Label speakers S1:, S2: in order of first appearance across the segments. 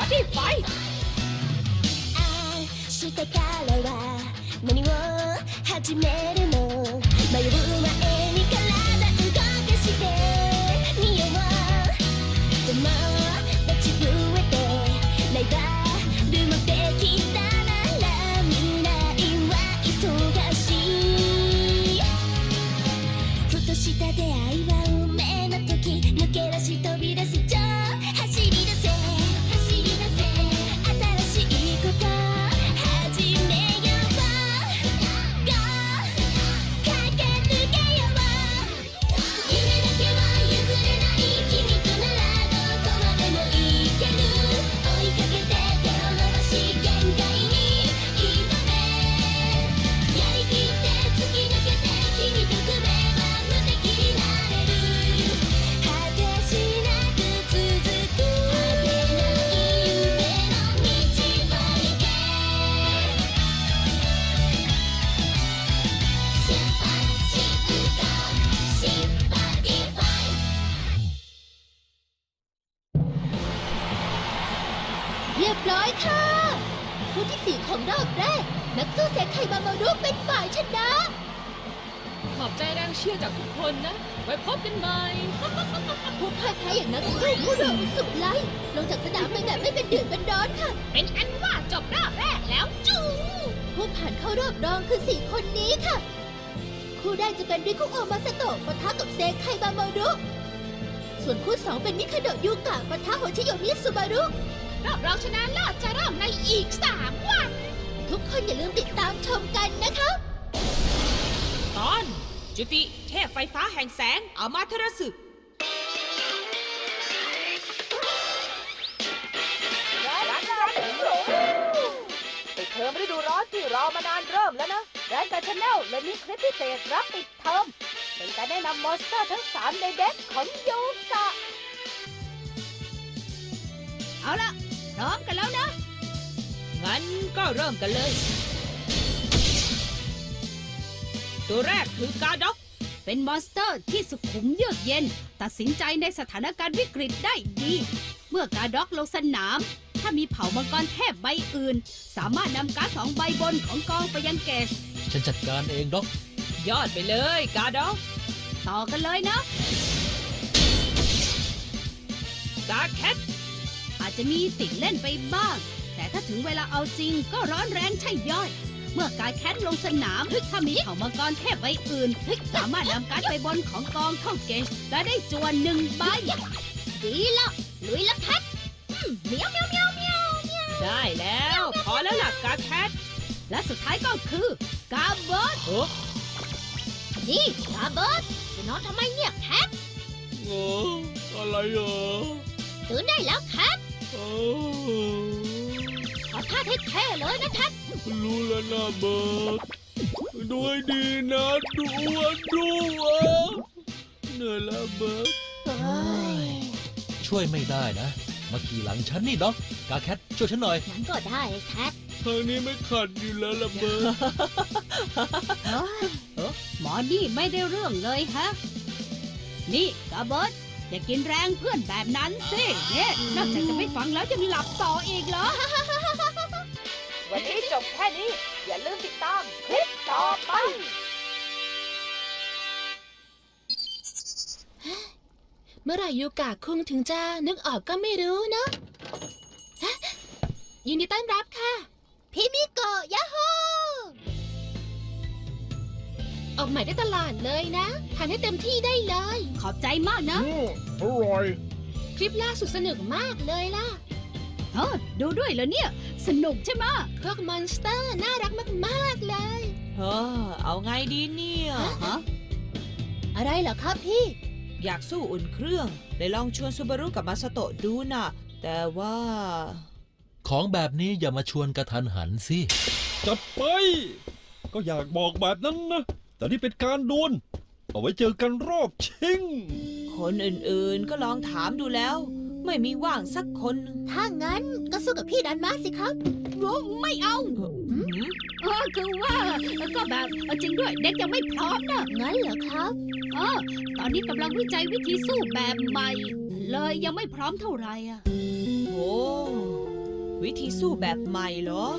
S1: ดี้ไฟ
S2: 明日からは何を始めるの迷う前に体動かしてみよう友達増えてライバルもできたなら未来は忙しいふとした出会いは運命の時抜け出し飛び出す走り出せ新しいこと始めよう Go 駆け抜けよう夢だけは譲れない君とならどこまでも行ける追いかけて手を伸ばし限界に挑めやりきって突き抜けて君と組めば無敵になれる果てしなく続く果てない夢の道を行け出発進行シンパティファイ
S3: เรียบร้อยค่ะคู่ที่ 4 ของรอบแรก นักสู้เซไคบามารุเป็นฝ่ายชนะ
S1: ขอบใจแรงเชียร์จากทุกคนนะ ไว้พบกันใหม่
S3: ผู้พ่ายแพ้อย่างนักสู้ผู้เรือสุดไล่ลงจากสนามไปแบบไม่เป็นเดือดเป็นร้อนค่ะ
S1: เป็นอันว่าจบรอบแรกแล้วจู
S3: ผู้ผ่านเข้ารอบรองคือ 4 คนนี้ค่ะ คู่แรกจะเป็นริคุโอมาสโตะปะทะกับเซไคบามารุส่วนคู่ 2 เป็นมิคาโดะยูกะปะทะโฮชิโยมิสุบารุ
S1: รอบรองชนะเลิศจะเริ่มในอีก 3 วัน
S3: ทุกคนอย่าลืมติดตามชมกันนะคะ
S1: ตอน จุติเทพไฟฟ้าแห่งแสงอามาเทรสึ
S4: ปิดเทอมฤดูร้อนที่รอมานานเริ่มแล้วนะแรนกับชาแนลเลยมีคลิปพิเศษรับปิดเทอมเป็นการแนะนำมอนสเตอร์ทั้ง 3 ในเด็กของยูกะ
S3: เอาละพร้อมกันแล้วนะ
S1: งั้นก็เริ่มกันเลย ตัวแรกคือกาด็อก
S5: เป็นมอนสเตอร์ที่สุขุมเยือกเย็น ตัดสินใจในสถานการณ์วิกฤตได้ดี เมื่อกาด็อกลงสนาม ถ้ามีเผ่ามังกรเทพใบอื่น สามารถนำการ์ด2 ใบบนของกองไปยังเกจ
S6: ฉันจัดการเองด็อก
S1: ยอดไปเลยกาด็อก
S5: ต่อกันเลยนะ
S1: กาแคท
S5: อาจจะมีติดเล่นไปบ้าง แต่ถ้าถึงเวลาเอาจริงก็ร้อนแรงใช่ย่อย เมื่อการแคทลงสนามถ้ามีเผ่ามังกรเทพใบอื่น สามารถนำการ์ดใบบนของกองเข้าเกจและได้จวน1 ใบ ดีละลุยละแคทเมียวเมียวเมียวเมียว
S1: ได้แล้ว พอแล้วล่ะกาแคท
S5: และสุดท้ายก็คือกาเบิร์ด
S1: โอ้
S5: นี่กาเบิร์ดจะนอนทำไมเนี่ยแคท
S6: อะไรเหรอ
S5: ตื่นได้แล้วแคทขอท่าเท่ๆเลยนะแคท
S6: รู้แล้วนะเบิร์ดด้วยดีนะดูเหนื่อยแล้วเบิร์ดช่วยไม่ได้นะ มาขี่หลังฉันนี่ด็อกกาแคทช่วยฉันหน่อย
S3: งั้นก็ได้แคท
S6: ทางนี้ไม่ขัดอยู่แล้วล่ะเบิร์ด
S5: หมอนี่ไม่ได้เรื่องเลยฮะ นี่กาเบิร์ดอย่ากินแรงเพื่อนแบบนั้นสิเนี่ยนอกจากจะไม่ฟังแล้วยังหลับต่ออีกเหรอ
S4: วันนี้จบแค่นี้ อย่าลืมติดตามคลิปต่อไป
S3: เมื่อไหร่ยูกะคุงถึงจะนึกออกก็ไม่รู้เนอะฮะยินดีต้อนรับค่ะ พี่มิโกะยาโฮออกใหม่ได้ตลาดเลยนะทานให้เต็มที่ได้เลย
S5: ขอบใจมากนะ
S6: อร่อย
S3: คลิปล่าสุดสนุกมากเลยล่ะ
S5: ดูด้วยเหรอเนี่ย สนุกใช่ไหมะ
S3: พวกมอนสเตอร์น่ารักมากๆเลย
S1: เอาไงดีเนี่ย
S5: ฮะ
S3: อะไรเหรอครับพี่
S1: อยากสู้อุ่นเครื่องเลยลองชวนซูบารุกับมาสโตะดูนะแต่ว่า
S6: ของแบบนี้อย่ามาชวนกระทันหันสิ
S7: จัดไป ก็อยากบอกแบบนั้นนะ แต่นี่เป็นการดวลเอาไว้เจอกันรอบชิง
S1: คนอื่นๆก็ลองถามดูแล้ว ไม่มีว่างสักคน
S3: ถ้างั้นก็สู้กับพี่ดันมาสิครับ
S5: ไม่เอา คือว่าก็แบบจริงด้วยเด็กยังไม่พร้อมนะ
S3: งั้นเหรอครับ
S5: ตอนนี้กำลังวิจัยวิธีสู้แบบใหม่ เลยยังไม่พร้อมเท่าไหร่อ่ะ
S1: โอ้วิธีสู้แบบใหม่เหรอ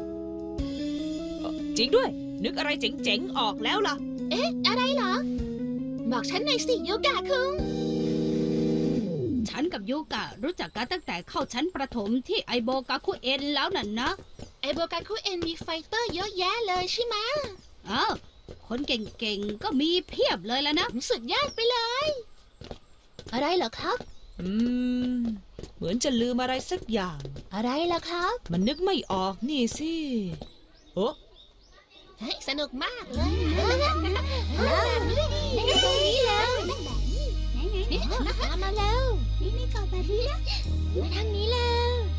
S1: จริงด้วย นึกอะไรเจ๋งๆออกแล้วล่ะ
S3: อะไรเหรอ บอกฉันหน่อยสิยูกะคุง
S5: ฉันกับยูกะรู้จักกันตั้งแต่เข้าชั้นประถมที่ไอโบกาคุเอ็นแล้วน่ะนะ
S3: ไอโบกันคุเอ็นมีไฟเตอร์เยอะแยะเลยใช่ไหม
S5: อ้าวคนเก่งๆก็มีเพียบเลยแล้วนะ
S3: สุดยอดไปเลย อะไรเหรอครับ
S1: เหมือนจะลืมอะไรสักอย่าง
S3: อะไรล่ะครับ
S1: มันนึกไม่ออกนี่สิโอ้
S3: เฮ้ยสนุกมากเลยแล้วนี่ตรงนี้แล้วนี่ตามมาแล้วนี่ก่อนแบบนี้มาทางนี้แล้ว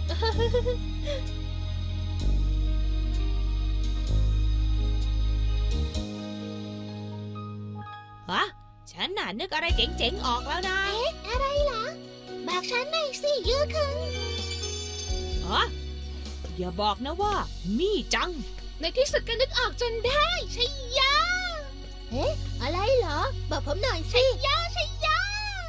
S1: ฮะฉันน่ะนึกอะไรเจ๋งๆออกแล้วนะ
S3: อะไรเหรอบอกฉันหน่อยสิยูคุง
S1: ฮะอย่าบอกนะว่ามี่จัง
S3: ในที่สุดก็นึกออกจนได้ใช่ยาเอ๊ะอะไรเหรอบอกผมหน่อยสิใช่ยา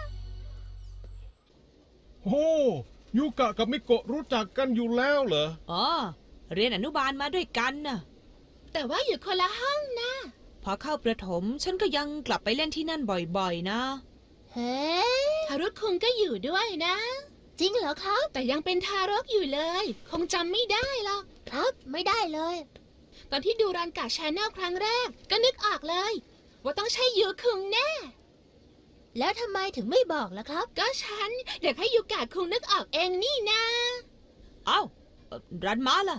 S6: โอ้ยูกะกับมิโกะรู้จักกันอยู่แล้วเหรอ
S1: อ๋อ เรียนอนุบาลมาด้วยกันน่ะ
S3: แต่ว่าอยู่คนละห้องนะ
S1: พอเข้าประถมฉันก็ยังกลับไปเล่นที่นั่นบ่อยๆนะ
S3: เฮ้ทารกคุงก็อยู่ด้วยนะ จริงเหรอครับ แต่ยังเป็นทารกอยู่เลย คงจำไม่ได้หรอกครับไม่ได้เลย ตอนที่ดูรันกาชาแนลครั้งแรกก็นึกออกเลย ว่าต้องใช่ยูคุงแน่ แล้วทำไมถึงไม่บอกล่ะครับ ก็ฉันอยากให้ยูกะคุงนึกออกเองนี่นะ
S1: เอ้ารันมาล่ะ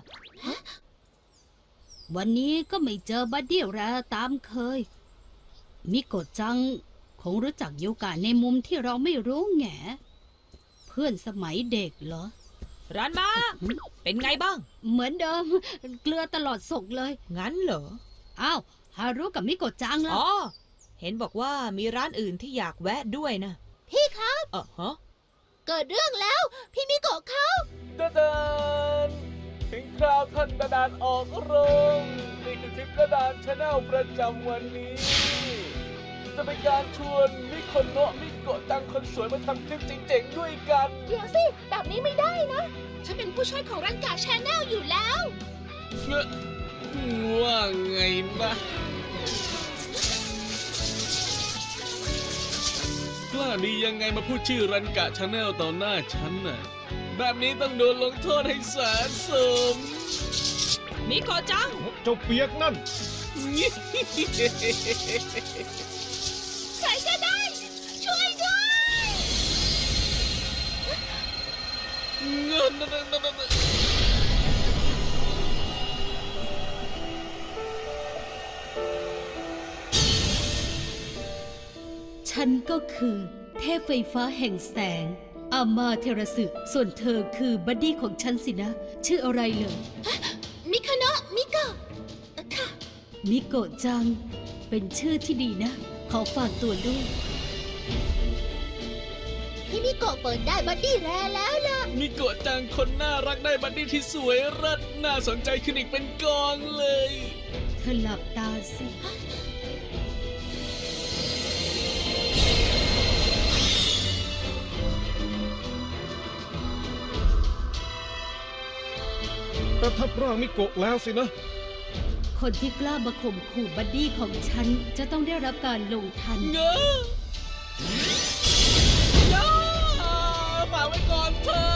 S5: วันนี้ก็ไม่เจอบัดดี้แรตามเคย มิโกะจังคงรู้จักยูกะในมุมที่เราไม่รู้แง่เพื่อนสมัยเด็กเหรอ
S1: รันมา เป็นไงบ้าง
S5: เหมือนเดิม เกลือตลอดศกเลย
S1: งั้นเหรอ
S5: อ้าวฮารุกับมิโกะจังล่ะ
S1: อ๋อ เห็นบอกว่ามีร้านอื่นที่อยากแวะด้วยนะ
S3: พี่ครับ
S1: ฮะ
S3: เกิดเรื่องแล้ว พี่มิโกะเขา
S8: ดาดานถึงคราวท่านดาดานออกโรงนี่คือคลิปดาดานชาแนลประจำวันนี้ จะเป็นการชวนมิโคนโนะมิโกะจังคนสวยมาทำคลิปเจ๋งๆด้วยกัน
S3: เดี๋ยวสิ แบบนี้ไม่ได้นะ ฉันเป็นผู้ช่วยของรันกาชาแนลอยู่แล้ว
S8: ว่าไงนะ กล้าดียังไงมาพูดชื่อรันกะชาแนลต่อหน้าฉันน่ะ แบบนี้ต้องโดนลงโทษให้สาสม
S1: มิโกะจัง
S6: เจ้าเปียกนั่น
S3: ใครก็ได้ ช่วยด้วย
S8: เงิน
S5: ฉันก็คือเทพไฟฟ้าแห่งแสง อามาเทราสึส่วนเธอคือบัดดี้ของฉันสินะ ชื่ออะไรเลย
S3: มิคาโนะมิโกะค่ะ
S5: มิโกะจัง เป็นชื่อที่ดีนะ ขอฝากตัวด้วย
S3: พี่มิโกะเปิดได้บัดดี้แรแล้วล่ะ
S8: มิโกะจังคนน่ารักได้บัดดี้ที่สวยเลิศน่าสนใจขึ้นอีกเป็นกองเลย
S5: เธอหลับตาสิ
S6: ประทับร่างมิโกะแล้วสินะ
S5: คนที่กล้ามาข่มขู่บัดดี้ของฉัน จะต้องได้รับการลงทัน
S8: เงอะย่าฝากไว้ก่อนเถอะ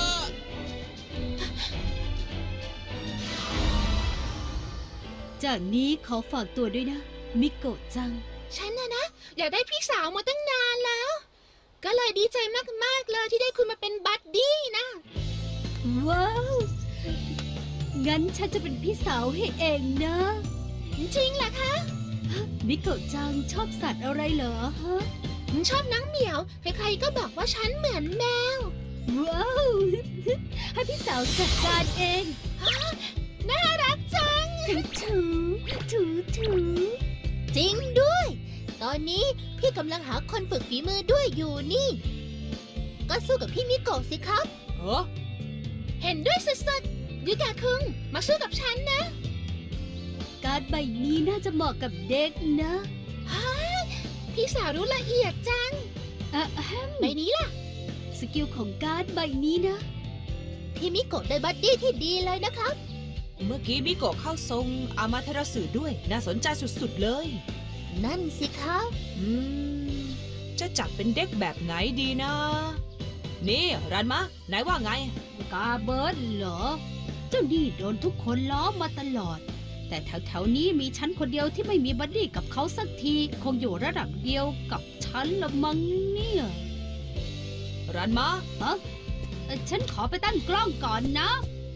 S5: จากนี้ขอฝากตัวด้วยนะ มิโกะจัง
S3: ฉันนะอยากได้พี่สาวมาตั้งนานแล้ว ก็เลยดีใจมากๆเลยที่ได้คุณมาเป็นบัดดี้นะ
S5: ว้าว งั้นฉันจะเป็นพี่สาวให้เองนะ
S3: จริงเหรอคะ
S5: มิโกะจังชอบสัตว์อะไรเหรอฮะ
S3: ชอบน้องเหมียว ใครๆก็บอกว่าฉันเหมือนแมว
S5: ว้าว ให้พี่สาวจัดการเอง
S3: น่ารักจัง
S5: ถูถูถู
S3: จริงด้วย ตอนนี้พี่กำลังหาคนฝึกฝีมือด้วยอยู่นี่ ก็สู้กับพี่มิโกะสิครับ
S1: เออ
S3: เห็นด้วยสุดๆยูกะคุงมาสู้กับฉันนะ
S5: การดใบนี้น่าจะเหมาะกับเด็กนะ
S3: พี่สาวรู้ละเอียดจัง
S5: อะแฮม
S3: ใบนี้ล่ะ
S5: สกิลของการ์ดใบนี้นะ
S3: พที่มิโกะได้บัดดี้ที่ดีเลยนะครับ
S1: เมื่อกี้มิโกะเข้าทรงอามาเทราสึด้วย น่าสนใจสุดๆเลย
S3: นั่นสิครับ
S1: จะจัดเป็นเด็กแบบไหนดีนะ นี่รันมะไหนว่าไง
S5: กาเบิร์ดเหรอ เจ้านี่โดนทุกคนล้อมาตลอด แต่แถวๆนี้มีฉันคนเดียวที่ไม่มีบัดดี้กับเขาสักที คงอยู่ระดับเดียวกับฉันละมั้งเนี่ย
S1: รันมะ
S5: ฉันขอไปตั้งกล้องก่อนนะ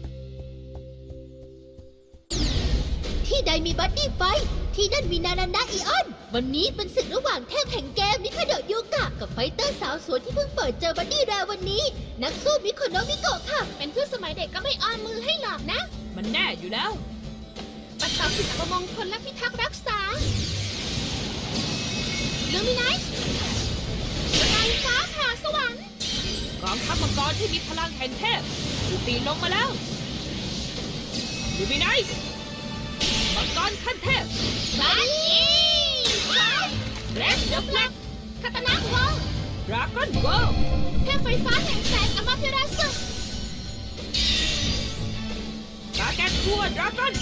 S3: ที่ใดมีบัดดี้ไฟท์ที่นั่นมีนานานะอีออน วันนี้เป็นศึกระหว่างเทพแห่งเกมมิคาโดะยูกะกับไฟเตอร์สาวสวยที่เพิ่งเปิดเจอบัดดี้แรวันนี้ นักสู้มิโคโนะมิโกะค่ะ เป็นเพื่อนสมัยเด็กก็ไม่อ้อนมือให้หรอกนะ
S1: มันแน่อยู่แล้ว
S3: ปัดเป่าสิ่งอัปมงคลและพิทักษ์รักษาลูมินัสไฟฟ้าผ่าสวรรค์
S1: กองทัพมังกรที่มีพลังแห่งเทพถูกตีลงมาแล้วลูมินัสมังกรขั้นเทพ
S3: บัดดี้ไฟเรสเดอะแฟลกคาตานะวอล
S1: ดราก้อนเวิลด์
S3: เทพไฟฟ้าแห่งแสงอมาเทราสึ
S1: กาแกนทัวดราก้อน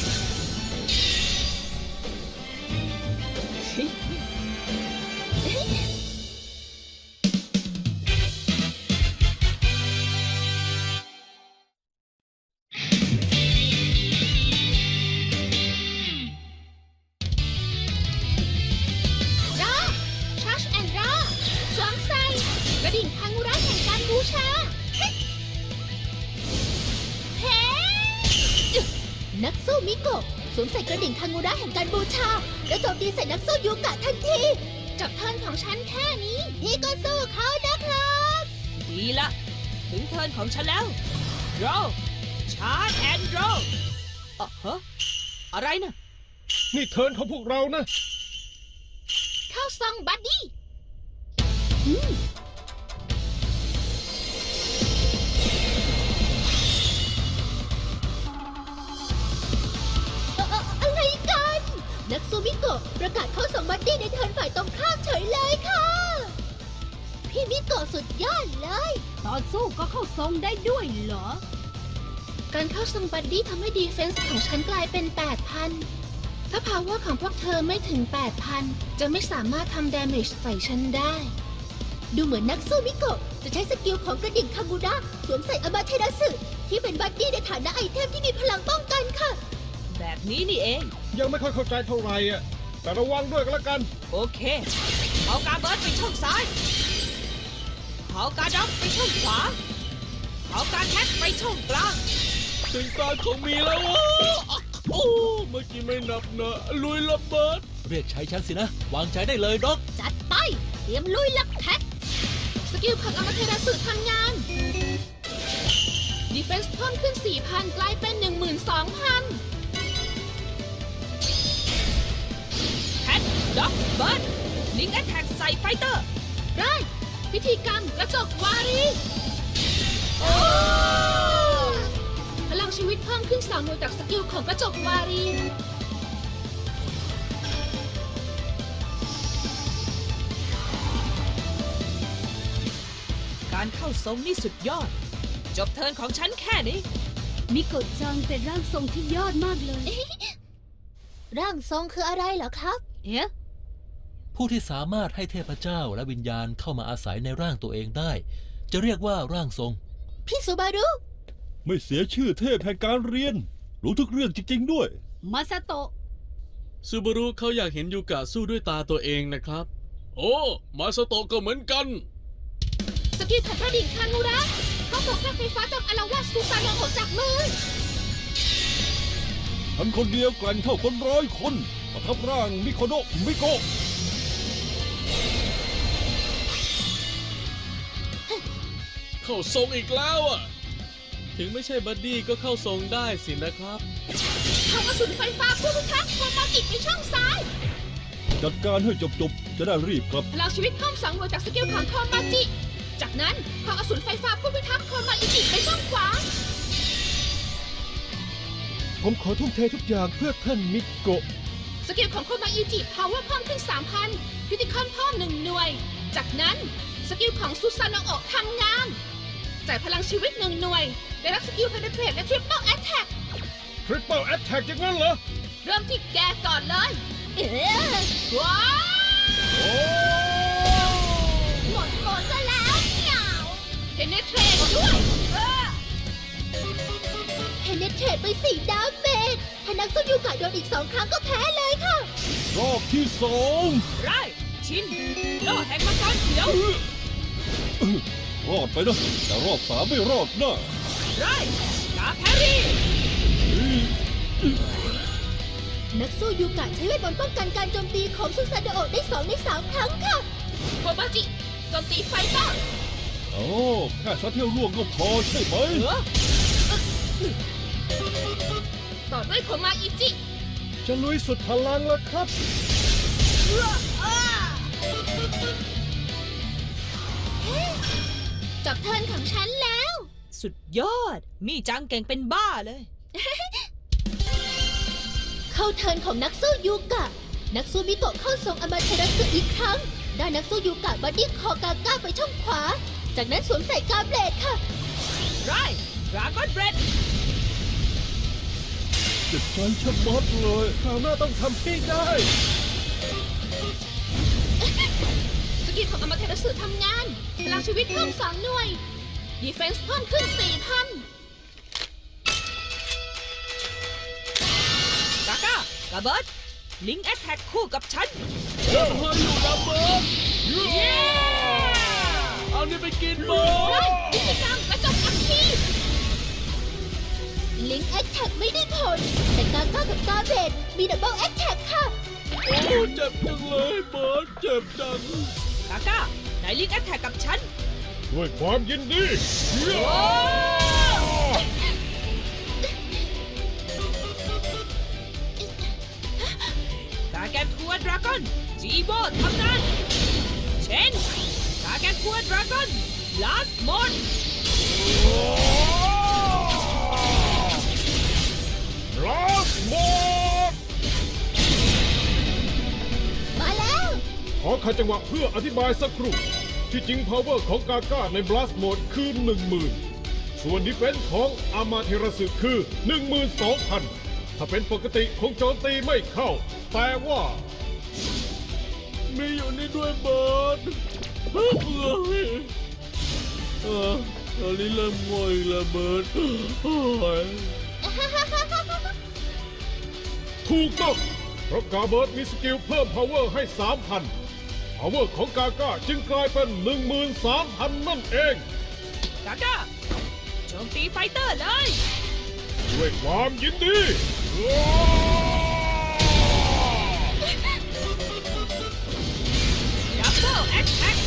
S3: รอชาร์จแอนด์รอสวมใส่กระดิ่งคังอุระแห่งการบูชาเฮ้นักสู้มิโกะสวมใส่กระดิ่งคังอุระแห่งการบูชาและโจมตีใส่นักสู้ยูกะทันทีจับเทิร์นของฉันแค่นี้พี่ก็สู้เขานะครับ
S1: ดีละ ถึงเทิร์นของฉันแล้วโรชาร์จแอนด์โรฮะอะไรนะ
S7: นี่เทิร์นของพวกเรานะ
S3: เข้าซองบัดดี้อะไรกัน นักสู้มิโกะประกาศเข้าส่งบัดดี้ในเทิร์นฝ่ายตรงข้ามเฉยเลยค่ะ พี่มิโกะสุดยอดเลย
S5: ตอนสู้ก็เข้าทรงได้ด้วยเหรอ
S3: การเข้าส่งบัดดี้ทำให้ดีเฟนส์ของฉันกลายเป็น 8,000 ถ้าพาวเวอร์ของพวกเธอไม่ถึง 8,000 จะไม่สามารถทำดาเมจใส่ฉันได้ ดูเหมือนนักสู้มิโกะจะใช้สกิลของกระดิ่งคังกุระสวมใส่อามาเทราสึที่เป็นบัดดี้ในฐานะไอเทมที่มีพลังป้องกันค่ะ
S1: แบบนี้นี่เอง
S7: ยังไม่ค่อยเข้าใจเท่าไหร่อ่ะ แต่ระวังด้วยก็แล้วกัน
S1: โอเคเอากาเบิร์ดไปช่องซ้ายเอากาด็อกไปช่องขวาเอากาแคทไปช่องกลาง
S6: ถึงตาของมีแล้ววะโอ้เมื่อกี้ไม่นับนะลุยระเบิด
S9: เรียกใช้ฉันสินะ วางใจได้เลยด็อก
S3: จัดไป เตรียมลุยลักแท็กสกิลของอามาเทราสึทำงานดีเฟนส์เพิ่มขึ้น 4,000 กลายเป็น 12,000
S1: แคทด็อกเบิร์ดลิงแอทแทกใส่ไฟเตอร์
S3: ไรพิธีกรรมกระจกวารีพลังชีวิตเพิ่มขึ้น2หน่วยจากสกิลของกระจกวารี
S1: การเข้าทรงนี่สุดยอด จบเทิร์นของฉันแค่นี้
S5: มิโกะจังเป็นร่างทรงที่ยอดมากเลย
S3: ร่างทรงคืออะไรเหรอครับ
S5: เอ๊ะ
S9: ผู้ที่สามารถให้เทพเจ้าและวิญญาณเข้ามาอาศัยในร่างตัวเองได้ จะเรียกว่าร่างทรง
S3: พี่ซูบารุ
S7: ไม่เสียชื่อเทพแห่งการเรียน รู้ทุกเรื่องจริงๆด้วย
S5: มาซาโตะ
S6: ซูบารุเขาอยากเห็นยูกะสู้ด้วยตาตัวเองนะครับ โอ้มาสโตะก็เหมือนกัน
S3: สกิลของกระดิ่งคางูระเขาส่งกระไฟฟ้าจากอารวาสซูซานองออกจากมือ
S7: ฉันคนเดียวแกร่งเท่าคน100 คนประทับร่างมิโคโนะมิโกะ
S6: เข้าทรงอีกแล้วอ่ะ ถึงไม่ใช่บัดดี้ก็เข้าทรงได้สินะครับ
S3: เขากระสุนไฟฟ้าผู้พิทักษ์โคมาจิไปช่องซ้าย
S7: จัดการให้จบๆ จะได้รีบกลับ
S3: พลังชีวิตเพิ่ม2หน่วยจากสกิลของโคมาจิ จากนั้นเขากระสุนไฟฟ้าผู้พิทักษ์โคมาอิจิไปช่องขวา
S7: ผมขอทุ่มเททุกอย่างเพื่อท่านมิโกะ
S3: สกิลของโคมาอิจิพาวเวอร์เพิ่มขึ้น 3,000 พิธีคอนเพิ่ม1หน่วย จากนั้นสกิลของซูซานองออกทำงาน
S1: จ่ายพลังชีวิต1 หน่วย ได้รับสกิลเพเนเทรตและทริปเปิลแอตแทก
S7: ทริปเปิลแอตแทกอย่างนั้นเหรอ
S1: เริ่มที่แกก่อนเลย ว้าว
S7: โอ้
S3: หมดซะแล้วเหงา
S1: เพเนเทรตด้วย
S3: เพเนเทรตไป4 ดาเมจถ้านักสู้ยูกะโดนอีก 2 ครั้งก็แพ้เลยค่ะ
S7: รอบที่สอง
S1: ไรชินโลแห่งมังกรเขียว
S7: รอดไปนะแต่รอบสามไม่รอดนะ
S1: ไรกาแพรี่
S3: นักสู้ยูกะใช้เวทมนต์ป้องกันการโจมตีของซุซาโดโอะได้2 ใน 3 ครั้งค่ะ
S1: โคบาจิโจมตีไฟเตอร์
S7: โอ้แค่ซัดเที่ยวล่วงก็พอใช่ไหม
S1: ต่อด้วยโคมาอิจิ
S7: จะลุยสุดพลังแล้วครับ
S3: จบเทิร์นของฉันแล้ว
S1: สุดยอด มีจังเก่งเป็นบ้าเลย
S3: เข้าเทิร์นของนักสู้ยูกะ นักสู้มิโกะเข้าทรงอมาเทรัสึอีกครั้ง ได้นักสู้ยูกะบัดดี้คอกาก้าไปช่องขวา จากนั้นสวมใส่กาเบลดค่ะ
S1: ไรดราก้อนเบรด
S7: เจ็บใจชะมัดเลยคราวหน้าต้องทำให้ได้
S1: สกิลของอมาเทรัสึทำงาน พลังชีวิตเพิ่ม2 หน่วย ดีเฟนส์เพิ่มขึ้น 4,000 กาก้ากาเบิร์ดลิงแอตแทกคู่กับฉัน
S6: เฮ้ยอยู่นะเบิร์ดเอานี่ไปกินเบิร์ด
S1: พิธีกรรมกระจกอัคคี
S3: ลิงแอคแท็กไม่ได้ผล แต่กาก้ากับกาเบลดมีดับเบิลแอคแท็กค่ะ
S6: โอ้เจ็บจังเลยเบิร์ดเจ็บจัง
S1: กาก้าไหนลิงแอตแทกกับฉัน
S7: ด้วยความยินดี
S1: กาแกนทัวดราก้อนจีโบทำงานเชนกาแกนทัวดราก้อนลาสมอน
S7: ลาสโมด
S3: มาแล้ว
S7: ขอขัดจังหวะเพื่ออธิบายสักครู่ ที่จริง power ของกาก้าใน blast mode คือ 10,000 ส่วน defense ของอามาเทราสึคือ 12,000 ถ้าเป็นปกติคงโจมตีไม่เข้า แต่ว่า
S6: มีอยู่นี่ด้วยเบิร์ดตอนนี้เริ่มง่วงอีกแล้วเบิร์ดโอ้ย
S7: ถูกต้องเพราะกาเบิร์ดมีสกิลเพิ่ม power ให้ 3,000 power ของกาก้าจึงกลายเป็น 13,000 นั่นเอง
S1: กาก้าโจมตีไฟเตอร์เลย
S7: ด้วยความยินดี
S1: ดับเบิลแอตแทก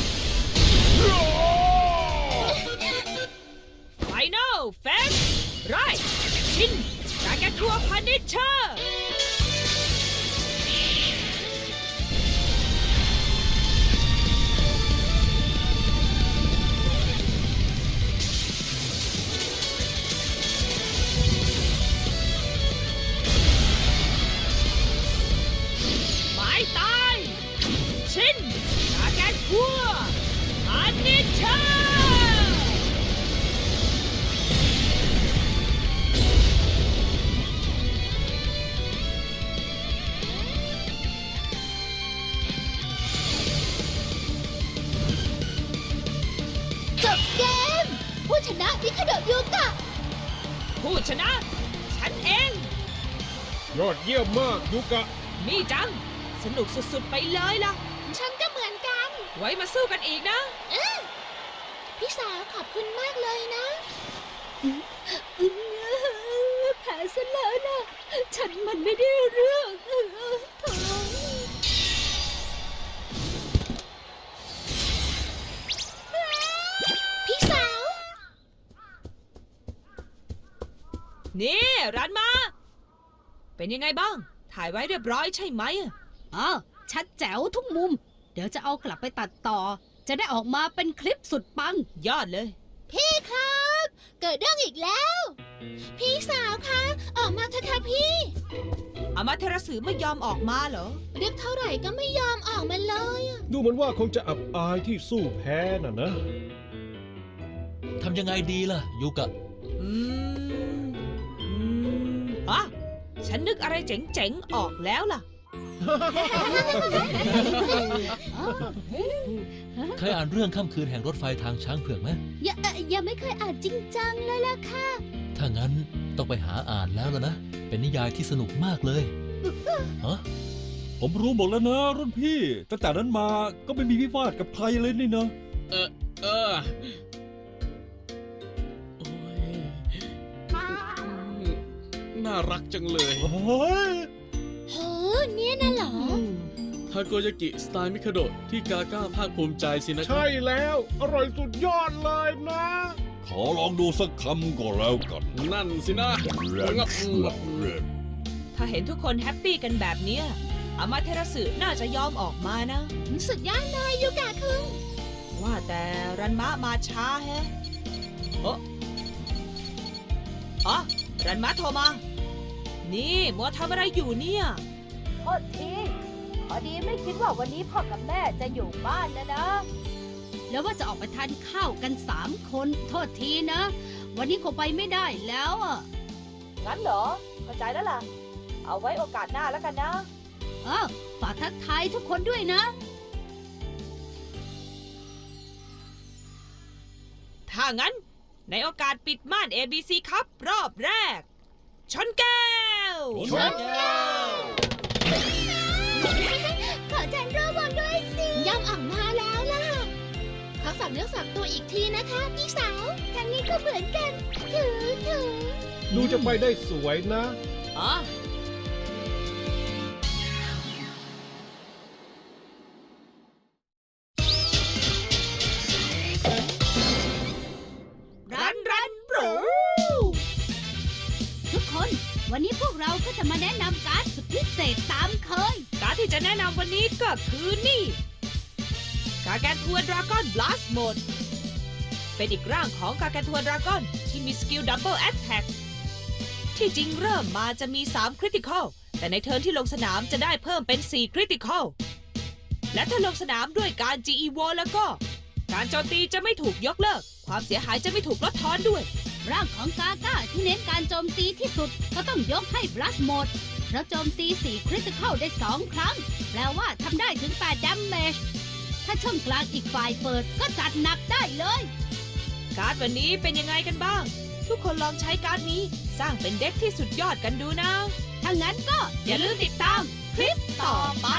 S1: ไฟนอลเฟสไรชินกาแกนทัวพานิชเชอร์ หมายตาย ชินกาแกนทัวพานิชเชอร์
S3: จบเกม ผู้ชนะมิคาโดะยูกะ
S1: ผู้ชนะ ฉันเอง
S7: ยอดเยี่ยมมากยูกะ
S1: มีจัง สนุกสุดๆไปเลยล่ะ
S3: ฉันก็เหมือนกัน
S1: ไว้มาสู้กันอีกนะ
S3: พี่สาวขอบคุณมากเลยนะแผลซะแล้วนะ ฉันมันไม่ได้เรื่องพี่สาว
S1: นี่ร้านมา เป็นยังไงบ้าง ถ่ายไว้เรียบร้อยใช่ไหม
S5: อ๋อชัดแจ๋วทุกมุม เดี๋ยวจะเอากลับไปตัดต่อ จะได้ออกมาเป็นคลิปสุดปัง
S1: ยอดเลย
S3: พี่ครับ เกิดเรื่องอีกแล้ว พี่สาวคะออกมาเถอะค่ะพี่
S1: อามาเทราสึไม่ยอมออกมาเหรอ
S3: เรียกเท่าไหร่ก็ไม่ยอมออกมาเลยอะ
S7: ดูเหมือนว่าคงจะอับอายที่สู้แพ้น่ะนะ
S9: ทำยังไงดีล่ะ ยูกะ
S1: อ่ะฉันนึกอะไรเจ๋งๆ ออกแล้วล่ะ
S9: เคยอ่านเรื่องค่ำคืนแห่งรถไฟทางช้างเผือกไหม
S3: ยังไม่เคยอ่านจริงจังเลยล่ะค่ะ
S9: ถ้างั้นต้องไปหาอ่านแล้วนะ เป็นนิยายที่สนุกมากเลยฮะ
S10: ผมรู้หมดแล้วนะรุ่นพี่ตั้งแต่นั้นมาก็ไม่มีวิวาทกับใครเลยนี่นะ
S6: เออโอ้ยน่ารักจังเลย
S10: โอ้ย
S3: โหเนี่ยน่ะเหรอ
S6: ทาโกยากิสไตล์มิคาโดะที่กาก้าภาคภูมิใจสินะครั
S7: ใช่แล้ว อร่อยสุดยอดเลยนะ
S10: ขอลองดูสักคำก็แล้วกัน
S6: นั่นสินะ
S1: ถ้าเห็นทุกคนแฮปปี้กันแบบเนี้ยอามาเทราสึน่าจะยอมออกมานะ
S3: สุดยอดเลยยูกะคุง
S1: ว่าแต่รันมะมาช้าแฮะอ๋อรันมะโทรมา นี่มัวทำอะไรอยู่เนี่ย
S4: โทษทีพอดีไม่คิดว่าวันนี้พ่อกับแม่จะอยู่บ้านนะ
S5: แล้วว่าจะออกไปทานข้าวกัน3 คนโทษทีนะ วันนี้คงไปไม่ได้แล้วอ่ะ
S4: งั้นเหรอ เข้าใจแล้วล่ะ เอาไว้โอกาสหน้าแล้วกันนะ
S5: ฝากทักทายทุกคนด้วยนะ
S1: ถ้างั้นในโอกาสปิดม่าน ABC ครับรอบแรก ชนแก้ว
S9: ชนแก้ว
S3: ขอฉันร่วมวงด้วยสิย่ำอ่องมาแล้วล่ะ ขอสั่งเนื้อสับตัวอีกทีนะคะพี่สาวทางนี้ก็เหมือนกัน ถือ
S7: หนูจะไปได้สวยนะ
S1: อ๋อ รันโปร
S5: ทุกคนวันนี้พวกเราก็จะมาแนะนำการ์ดสุดพิเศษตามเคย
S1: การดที่จะแนะนำวันนี้ก็คือนี่ กาแกนทัวดราก้อนบลัสโหมด เป็นอีกร่างของกาแกนทัวดราก้อนที่มีสกิลดับเบิลแอตแทกที่จริงเริ่มมาจะมี3คริติคอลแต่ในเทิร์นที่ลงสนามจะได้เพิ่มเป็น4คริติคอลและถ้าลงสนามด้วยการ GEVO แล้วก็ การโจมตีจะไม่ถูกยกเลิก ความเสียหายจะไม่ถูกลดทอนด้วย
S5: ร่างของกาก้าที่เน้นการโจมตีที่สุดก็ต้องยกให้บลัสโหมดเพราะโจมตี4คริติคอลได้2 ครั้ง แปลว่าทำได้ถึง8ดัมเมจถ้าช่องกลางอีกฝ่ายเปิดก็จัดหนักได้เลย
S1: การ์ดวันนี้เป็นยังไงกันบ้าง ทุกคนลองใช้การ์ดนี้สร้างเป็นเด็กที่สุดยอดกันดูนะ
S5: ถ้างั้นก็อย่าลืมติดตามคลิปต่อไป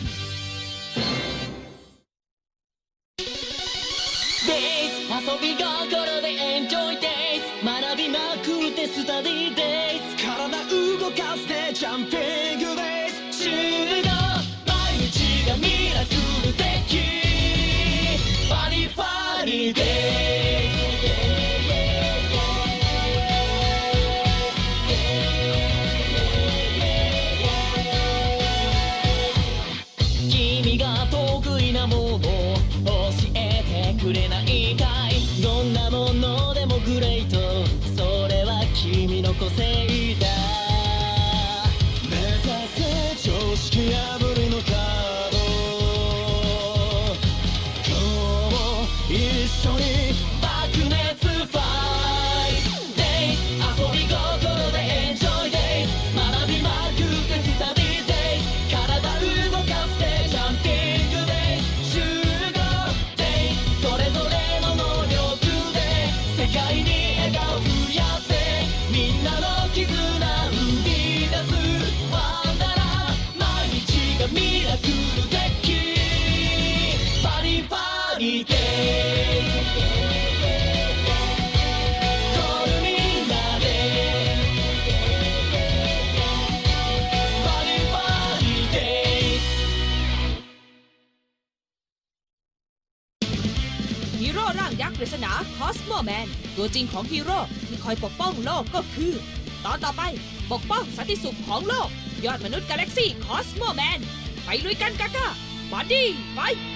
S11: Days 遊び心でエンジョイ Days 学びまくってスタディ Days 体動かしてジャンピング Days 集合毎日がミラクル的ファニーファニー Days 君が得意なもの教えてくれないかいどんなものでもグレートそれは君の個性だ目指せ常識破りのカード今日も一緒に爆熱ファイト Days 遊び心でエンジョイ Days 学びまくってスタディ Days 体動かしてジャンピング Days 集合 Days それぞれの能力で世界に笑顔増やせみんなの絆生み出すワンダラー毎日がミラクル的ファニーファニー Days コールみんなでファニーファニー Days
S1: ฮีโร่ร่างยักษ์ปริศนาคอสโมแมนตัวจริงของฮีโร่ที่คอยปกป้องโลกก็คือ ตอนต่อไปปกป้องสันติสุขของโลก ยอดมนุษย์กาแล็กซี่คอสโมแมนไปลุยกันกาก้าบอดี้ไฟท์